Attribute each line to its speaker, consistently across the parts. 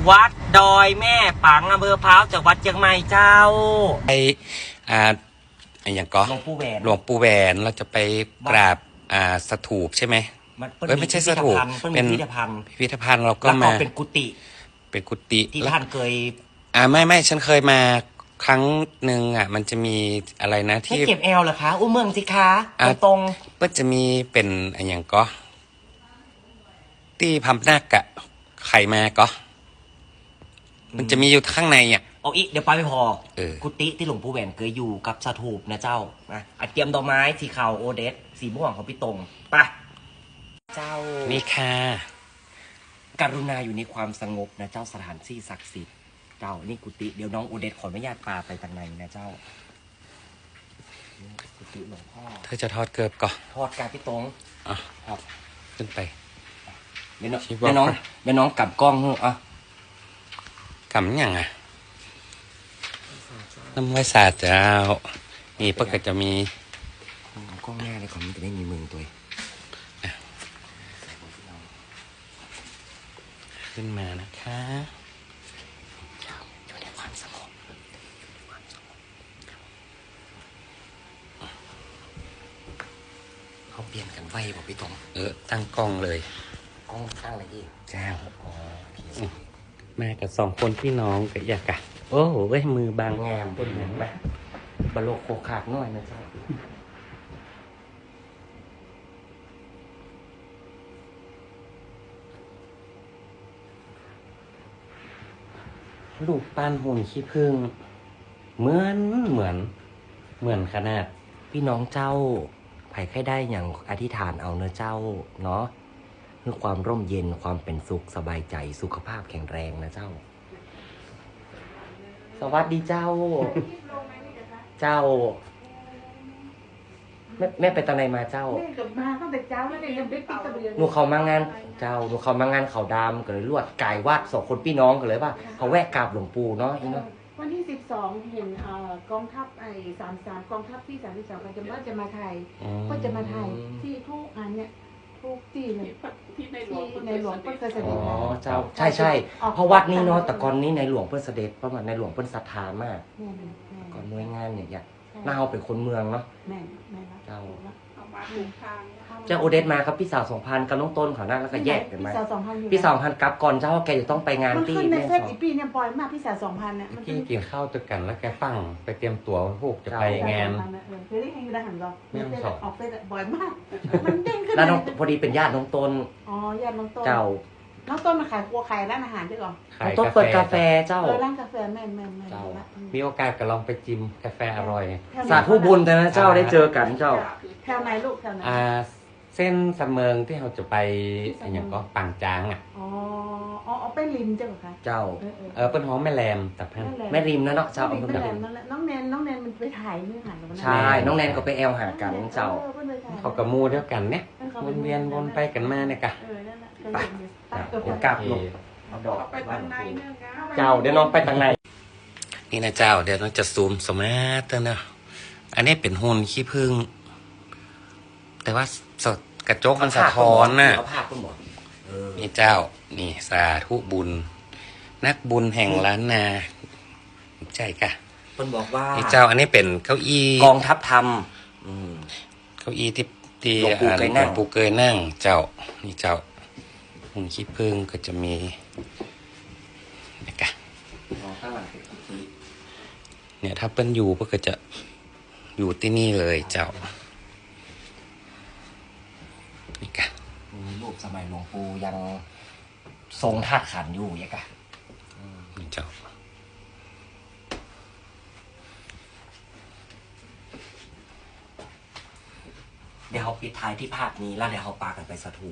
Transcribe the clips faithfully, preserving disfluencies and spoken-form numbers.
Speaker 1: วัดดอยแม่ปังอำเภอพร้าวจังหวัดเชียงใหม่เจ้า
Speaker 2: ไปอ่าอย่างก็
Speaker 1: หลวงปู่แหวน
Speaker 2: หลวงปู่แหวนเราจะไปกราบอ่าสถูปใช่ไหมเอ้ยไม่ใช่สถูป
Speaker 1: เป็นพิพิธภัณฑ์
Speaker 2: พิพิธภัณฑ์เราก็มา
Speaker 1: เป็นกุฏิ
Speaker 2: เป็นกุฏิ
Speaker 1: ที่ท่านเคย
Speaker 2: อ่าไม่ไม่ฉันเคยมาครั้งหนึ่งอ่ะมันจะมีอะไรนะที่
Speaker 1: เก็บแอลเหรอคะอุ้มเมืองสิคะตรง
Speaker 2: ก็จะมีเป็นอย่างก็ที่พำนักกะไข่มาก็มันจะมีอยู่ข้างในอ่ะ
Speaker 1: เอาอีกเดี๋ยวไปไม่พอกุฏิที่หลวงปู่แหวนเคยอยู่กับสถูปนะเจ้านะอาเตรียมดอกไม้สีขาวโอเดสสีม่วงของพี่ตรงไปเจ้า
Speaker 2: นี่ค่ะ
Speaker 1: กรุณาอยู่ในความสงบนะเจ้าสถานที่ศักดิ์สิทธิ์เจ้านี่กุฏิเดี๋ยวน้องโอเดสขออนุญาตปาไปทางในนะเจ้ากุฏิหลวงพ่อ
Speaker 2: เธอจะทอดเกือบก่อน
Speaker 1: ทอดกาพี่ตรง
Speaker 2: อ่ะครับขึ้นไป
Speaker 1: เดี๋ยวน้องเดี๋ยวน้องเดี๋ยวน้องกลับกล้องเหรออ่ะ
Speaker 2: กลับยังไงน้ำไว้สาดเจ้านี่ปกติจะมี
Speaker 1: กล้องแน่เลยของมันจะไม่มีมือตัว
Speaker 2: ขึ้นมานะคะ
Speaker 1: อยู่ในความสงบเขาเปลี่ยนกันไว้บอกพี่ตรง
Speaker 2: เออตั้งกล้องเลย
Speaker 1: กล้องตั้งอะไรอีก
Speaker 2: เจ้าอ๋อแม่กับสองคนพี่น้องกับยากะโอ้โหเว้ยมือบาง
Speaker 1: งามเป็นเหมือนไหมบะโลกโคขากน้อยนะเจ้า
Speaker 2: ลูกปั้นหุ่นขี้ผึ้งเหมือนเหมือนเหมือนขนาด
Speaker 1: พี่น้องเจ้าไผ่ไข้ได้อย่างอธิษฐานเอาเนื้อเจ้าเนาะเพื่อความร่มเย็นความเป็นสุขสบายใจสุขภาพแข็งแรงนะเจ้าสวัสดีเจ้าเจ้าแม่แม่ไปตอนไหนมาเจ้า
Speaker 3: แม่กลับมาตั้งแต่เจ้าแล้วเนี่ยยังไม่ปิดกระเบือ
Speaker 1: หนูเขามางานเจ้าหนูเขามางานเขาดำก็เลยลวดกายวาดสองคนพี่น้องกันเลยว่าเขาแวะกราบหลวงปู่เนาะอีเนาะ
Speaker 3: วันที่สิบสองเห็นกองทัพไอ้สามสามกองทัพที่สามที่สองกันจะว่าจะมาไทยก็จะมาไทยที่ทุกอันเนี่ยทุกที่เลยที่ในหลวงในหลวงเพิ่นเสด็จ
Speaker 1: อ๋อเจ้าใช่ใช่เพราะวัดนี้เนาะแต่ก่อนนี้ในหลวงเพิ่นเสด็จเพราะว่าในหลวงเพิ่นศรัทธามากก่อนหน่วยงานเนี่ยอยากน่าเอาเป็นคนเมืองเนาะเจ้าเจ้าโอเดสมาครับพี่สาวสองพันกับน้องต้นเขาหน้าแล้วก็แยกกันมาพี่สาวสองพันกลับก่อนเจ้าแกจะต้องไปงานที่
Speaker 3: แม่สองปีเนี่ยปล่อยมากพี่สาวสองพันเนี่ย
Speaker 2: พี่กินข้าวตึกกันแล้วแกฟังไปเตรียมตัวพวกจะไปงาน
Speaker 3: เคยได้ให้ยูได้หันก็ไม่ออกเฟซบ่อยมากมันเด้งขึ้น
Speaker 1: แล้วน้องพอดีเป็นญาติน้องต้น
Speaker 3: อ๋อญาติน้องต้น
Speaker 1: เจ้า
Speaker 3: น้องต้นมาขายครัวขายร้านอาหารด้วยหรอ
Speaker 1: น้องต้นเปิดกาแฟเจ้า
Speaker 3: ร้านกาแฟแม่แม่แม่
Speaker 2: มีโอกาสก็ลองไปจิ้มกาแฟอร่อย
Speaker 1: สาธุบุญแต่นะเจ้าได้เจอกันเจ้า
Speaker 3: แถวไหนลูกแถวไหน
Speaker 2: อ่าเส้นสำเมิงที่เราจะไปอย่างก็ปังจางอ่ะ
Speaker 3: อ๋ออ๋อเป็นริมเจ้าค่ะ
Speaker 1: เจ้า
Speaker 2: เออเป็นห้องแม่แรมแต่พัน
Speaker 1: แม่ริมนะเนาะเจ้า
Speaker 3: แม่ริมน้องแนนน้องแนนมันไปถ่ายเนื้อหา
Speaker 1: ใช่น้องแนนก็ไปแอลหากันเจ้า
Speaker 2: เขากระมูเดียวกันเนี่ยวนเวียนวนไปกันมาเนี่ยกะ
Speaker 1: ไปกลับลงเอาดอกไปทางในเจ้าเดี๋ยวน้องไปทางใน
Speaker 2: นี่นะเจ้าเดี๋ยวน้องจะซูมสมาร์ทนะอันนี้เป็นหุ่นขี้ผึ้งแต่ว่าสดกระจกมันสะท้อนน่ะนี่เจ้านี่สาธุบุญนักบุญแห่งล้านนาใช่กะ
Speaker 1: คนบอกว่า
Speaker 2: นี่เจ้าอันนี้เป็นเก้าอี้
Speaker 1: กองทัพธรรม
Speaker 2: เก้าอี้ที่ที่หลวงปู่เกยนั่งเจ้านี่เจ้าหุ่นขี้ผึ้งก็จะมีนี่กะเนี่ยถ้าเป็นอยู่ก็จะอยู่ที่นี่เลยเจ้านี่กะ
Speaker 1: รูปสมัยหลวงปู่ยังทรงธาตุขันอยู่ยังกะ
Speaker 2: นี่เจ้า
Speaker 1: เดี๋ยวเขาปิดท้ายที่ภาพนี้แล้วเดี๋ยวเขาปากันไปสถูป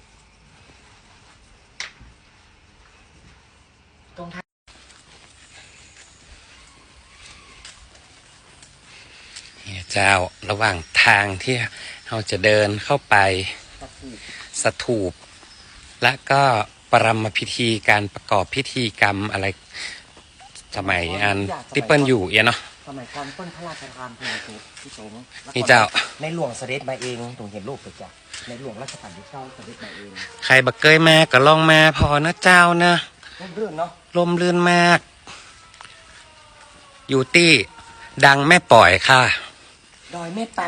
Speaker 1: ตรงท่า
Speaker 2: เนี่ยเจ้าระหว่างทางที่เราจะเดินเข้าไปสถูปและก็ปรมพิธีการประกอบพิธีกรรมอะไรสมัยอันที่เปิ้ลอยู่เนาะ
Speaker 1: สมัยก่อนเปิ้ลพระราชทานเพลงที่สง
Speaker 2: นี่เจ้า
Speaker 1: ในหลวงเสด็จมาเองตรงเห็นรูปประจักษ์ในหลวงรัชกาลที่เก้าเสด็จมาเอง
Speaker 2: ใครบักเกยมาก็ลองมาพอนะเจ้านะ
Speaker 1: ร่มรื่นเนาะ
Speaker 2: ลมลื่นมาก อยู่ที่ดังแม่ปล่อยค่ะ
Speaker 1: ดอยแม่ปัง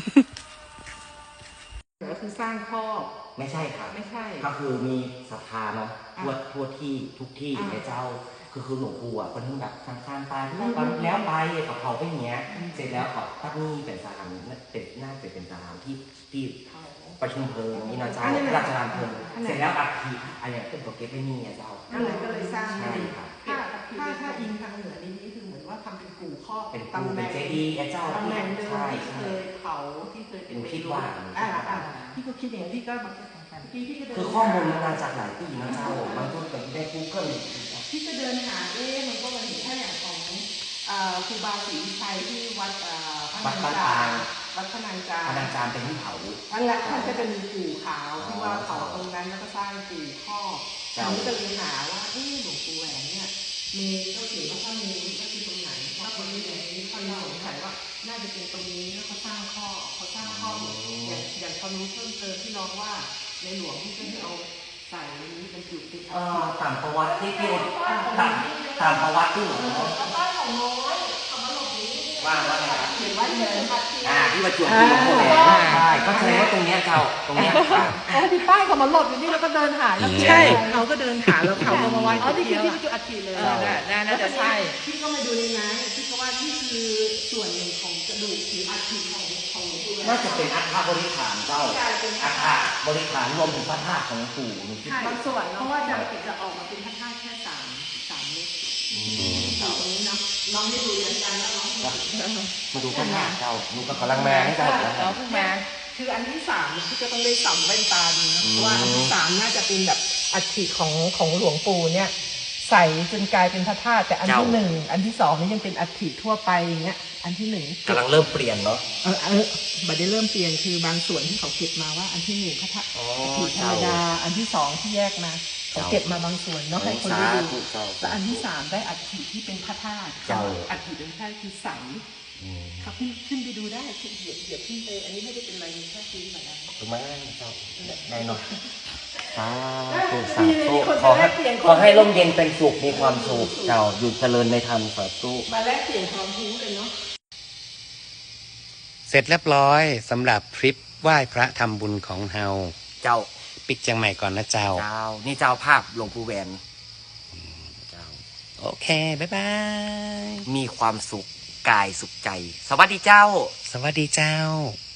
Speaker 3: ก็คือสร้างข้อ
Speaker 1: ไม่ใช่ค่ะ
Speaker 3: ไม่ใช่
Speaker 1: ก็คือมีศรัทธาเนาะทั่วทั่วที่ทุกที่
Speaker 3: อ่า
Speaker 1: ในเจ้าคือคือหลวงปู่อ่ะคนที่แบบสร้างๆไปแล้วตอนแล้วไปกับเขาไปอย่างเงี้ยเสร็จแล้วเขาตั้งนี่เป็นสถานเป็นน่าจะเป็นสถานที่ที่ประชุมเพลิงนี่นะเจ้าราชการเพลิงเสร็จแล้วอัฐิอะไรเป็นตัวเก็บไม่มีอ่ะเจ้า
Speaker 3: ก็เลยก็เลยสร้าง
Speaker 1: ใช่ค่ะ
Speaker 3: ถ้าถ้าถ้าอิงทางเหนือนี้นี่คือเหมือนว่าทำเป็นกู่ข้อ
Speaker 1: เป็น
Speaker 3: ตำ
Speaker 1: ปู
Speaker 3: แห
Speaker 1: เป็
Speaker 3: น่
Speaker 1: น
Speaker 3: ง
Speaker 1: เจดีย์อ่ะเจ้า
Speaker 3: ตำแหน่งเดิม
Speaker 1: ใช่
Speaker 3: ที่
Speaker 1: ใช่
Speaker 3: เคยเผาที่เคยเป็น
Speaker 1: หนูคิดว่า
Speaker 3: อ่าอ่าพี่ก็คิดอย่างนี้พี่ก็มาพี่พี่ก็เดิน
Speaker 1: คือข้อมูลมันมาจากหลายที่นะเจ้าบางทีก็ได้ Google
Speaker 3: พี่ก็เดินหาเอ๊ะมันก็มันเห็นแค่อย่างของอ่าครูบาศรีวิชัยที่วัดอ่าพระ
Speaker 1: วัด
Speaker 3: นั
Speaker 1: บ้าน
Speaker 3: จา
Speaker 1: ปาง
Speaker 3: วัดพระนันจา
Speaker 1: พนังจารย์เป็นที่เผา
Speaker 3: นั่นแหละท่านจะเป็นกู่ขาวที่ว่าเผาตรงนั้นแล้วก็สร้างกู่ข้อ
Speaker 1: จ้ะ
Speaker 3: เราก็เลยหาว่าเอ๊ะหลวงปู่แหวนเนี่ยมีก็เขียนว่าถ้ามีก็คือตรงไหนถ้าคนนี้อย่างนี้เขาเลยสงสัยว่าน่าจะเป็นตรงนี้แล้วเขาสร้างข้อเขาสร้างข้ออย่างอย่างความรู้เพิ่มเติมที่น้องว่าในหลวงที่จะเอาใส่นี้เป็นจุดติด
Speaker 1: เอ่อตามประวัติที่พี่ตามตามประวัติที่หลวงพ่อ
Speaker 3: บ้านของน้อยคำว่าหลวงนี้
Speaker 1: ว่าว่าไงครับ
Speaker 3: เขียนว่าเชิญมาที่
Speaker 1: อ่าที่ประจวบที่หลวงพ่อแหวนใช่ก็แสดงว่าตรงเนี้ยเจ้าตรงเนี้ยค่ะ
Speaker 3: อ๋อที่ป้ายเขามาหลบอยู่นี่แล้วก็เดินหาแล้ว
Speaker 2: ใช่
Speaker 3: เขาก็เดินหาแล้วเขาก็มาไหว้อ๋อนี่คือที่จุดอัฐิเลย
Speaker 1: ใช่
Speaker 3: น่าจะใช่พี่ก็มาดูในนั้นพี่ก็ว่านี่คือส่วนหนึ่งของกระดูกหรืออัฐิของของหลวงปู่
Speaker 1: น่าจะเป็นอัฐบริขารเจ้าอัฐบริขารรวมถึงพระธาตุของหลวงปู่หนูคิด
Speaker 3: ใช่
Speaker 1: ว่า
Speaker 3: บางส่วนเพราะว่าจะจะออกมาเป็นพระธาตุแค่สามสามเม็ด
Speaker 1: อืม
Speaker 3: ต
Speaker 1: เจ้า
Speaker 3: รงนี้เนาะน้องไม่ดูยันกันแล้วน้อง
Speaker 1: มาดูพระธาตุเจ้าหนูก็กำลังมาให้เจ้า
Speaker 3: น้องเพิ่งมาคืออันที่สามเนี่ยพี่ก็ต้องได้ส่องแว่นตาดูนะเพราะว่าอันที่สามน่าจะเป็นแบบอัฐิของของหลวงปู่เนี่ยใส่จนกลายเป็นพระธาตุแต่อันที่หนึ่งอันที่สองนี่ยังเป็นอัฐิทั่วไปอย่างเงี้ยอันที่หนึ่ง
Speaker 1: กำลังเริ่มเปลี่ยนเนาะ
Speaker 3: เออเออบัดได้เริ่มเปลี่ยนคือบางส่วนที่เขาเก็บมาว่าอันที่หนึ่งพระธาตุ
Speaker 1: อ๋อ
Speaker 3: อัฐิธรรมดาอันที่สองที่แยกมาเขาเก็บมาบางส่วนเนาะให้คนได้ดู
Speaker 1: เจ้า
Speaker 3: แล้วอันที่สามได้อัฐิที่เป็นพระธาตุ
Speaker 1: เจ้า
Speaker 3: อัฐิเป็นพระธาตุคือใส
Speaker 1: อืม
Speaker 3: ครับขึ้นขึ้นไปดูได้ขึ้นเหยียบเหยียบขึ้นไปอันนี้ไม่ได้เป็นอะไรมีแค่พื้นแบบนั้น
Speaker 1: ถูกไหมเจ้าได้เนาะสาธุ
Speaker 3: ดี
Speaker 1: สา
Speaker 3: เลย
Speaker 1: ธุ
Speaker 3: มีคน
Speaker 1: ขอ
Speaker 3: จะแล
Speaker 1: ให้
Speaker 3: กเปลี่ยน
Speaker 1: ขอให้ร่มเย็นเป็นสุขมีความสุขเจ้าอยู่เจริญในธรรมสาธุ
Speaker 3: มาแลกเปลี่ยนความรู้กันเนาะ
Speaker 2: เสร็จเรียบร้อยสำหรับทริปไหว้พระทำบุญของเฮา
Speaker 1: เจ้า
Speaker 2: ปิดเชียงใหม่ก่อนนะเจ้า
Speaker 1: เจ้า นี่เจ้าภาพหลวงปู่แหวนเจ้า
Speaker 2: โอเค บ๊ายบาย
Speaker 1: มีความสุขกายสุขใจ สวัสดีเจ้า
Speaker 2: สวัสดีเจ้า